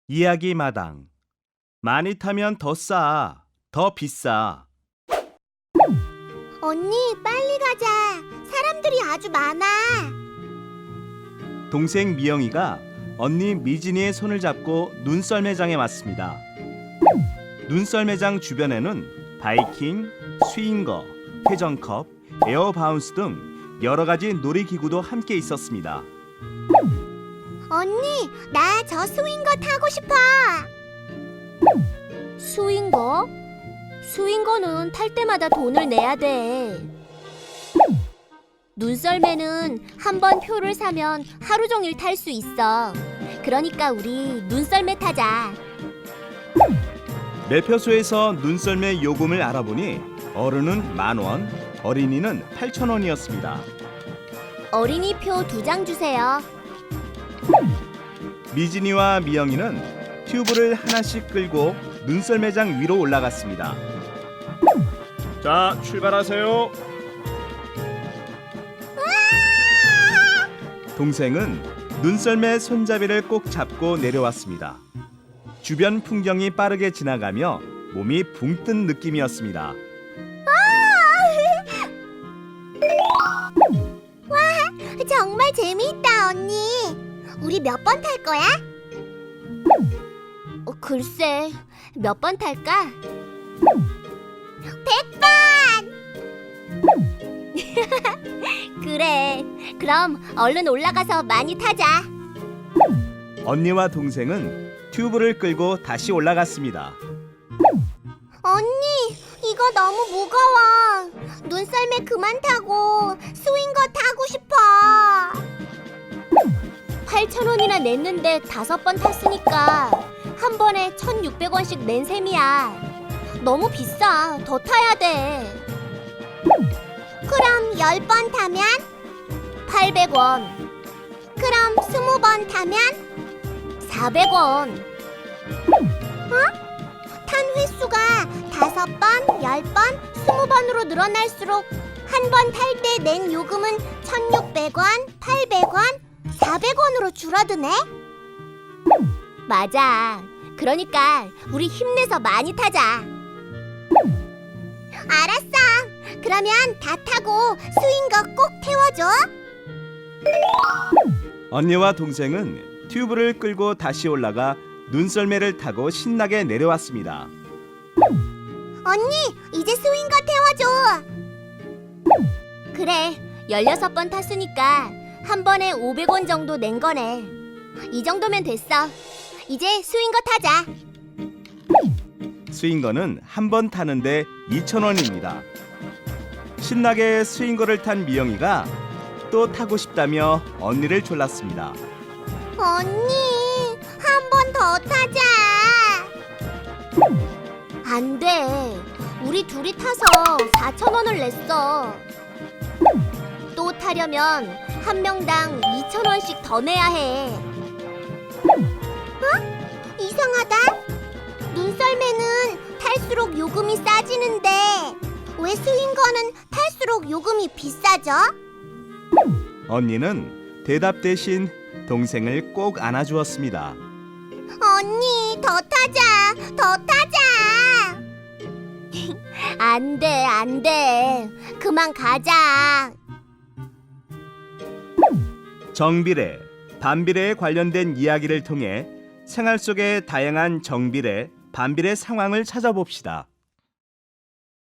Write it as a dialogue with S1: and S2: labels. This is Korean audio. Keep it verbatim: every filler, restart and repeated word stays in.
S1: 이야기 마당. 많이 타면 더 싸, 더 비싸.
S2: 언니, 빨리 가자. 사람들이 아주 많아.
S1: 동생 미영이가 언니 미진이의 손을 잡고 눈썰매장에 왔습니다. 눈썰매장 주변에는 바이킹, 스윙거, 회전컵, 에어바운스 등 여러 가지 놀이기구도 함께 있었습니다.
S2: 언니, 나 저 스윙거 타고 싶어. 스윙거? 스윙거는 탈 때마다 돈을 내야 돼. 눈썰매는 한 번 표를 사면 하루 종일 탈 수 있어. 그러니까 우리 눈썰매 타자.
S1: 매표소에서 눈썰매 요금을 알아보니 어른은 만 원, 어린이는 팔천 원이었습니다.
S2: 어린이 표 두 장 주세요.
S1: 미진이와 미영이는 튜브를 하나씩 끌고 눈썰매장 위로 올라갔습니다. 자, 출발하세요. 동생은 눈썰매 손잡이를 꼭 잡고 내려왔습니다. 주변 풍경이 빠르게 지나가며 몸이 붕 뜬 느낌이었습니다.
S2: 정말 재미있다, 언니. 우리 몇 번 탈 거야? 어, 글쎄, 몇 번 탈까? 백 번! 그래, 그럼 얼른 올라가서 많이 타자.
S1: 언니와 동생은 튜브를 끌고 다시 올라갔습니다.
S2: 언니, 이거 너무 무거워. 눈썰매 그만 타고 스윙거 타고 싶어. 팔천 원이나 냈는데 다섯 번 탔으니까 한 번에 천육백 원씩 낸 셈이야. 너무 비싸. 더 타야 돼. 그럼 열 번 타면 팔백 원. 그럼 스무 번 타면 사백 원. 어? 탄 횟수가 다섯 번, 열 번, 스무 번으로 늘어날수록 한 번 탈 때 낸 요금은 천육백 원, 팔백 원, 사백 원으로 줄어드네? 맞아. 그러니까 우리 힘내서 많이 타자. 알았어. 그러면 다 타고 스윙거 꼭 태워줘.
S1: 언니와 동생은 튜브를 끌고 다시 올라가 눈썰매를 타고 신나게 내려왔습니다.
S2: 언니, 이제 스윙거 태워줘. 그래, 열여섯 번 탔으니까 한 번에 오백 원 정도 낸 거네. 이 정도면 됐어. 이제 스윙거 타자.
S1: 스윙거는 한 번 타는데 이천 원입니다. 신나게 스윙거를 탄 미영이가 또 타고 싶다며 언니를 졸랐습니다.
S2: 언니, 한 번 더 타자. 안 돼. 우리 둘이 타서 사천 원을 냈어. 또 타려면 한 명당 이천 원씩 더 내야 해. 어? 이상하다. 눈썰매는 탈수록 요금이 싸지는데 왜 스윙거는 탈수록 요금이 비싸죠?
S1: 언니는 대답 대신 동생을 꼭 안아주었습니다.
S2: 언니, 더 타자. 더 타자. 안 돼, 안 돼. 그만 가자.
S1: 정비례, 반비례에 관련된 이야기를 통해 생활 속의 다양한 정비례, 반비례 상황을 찾아봅시다.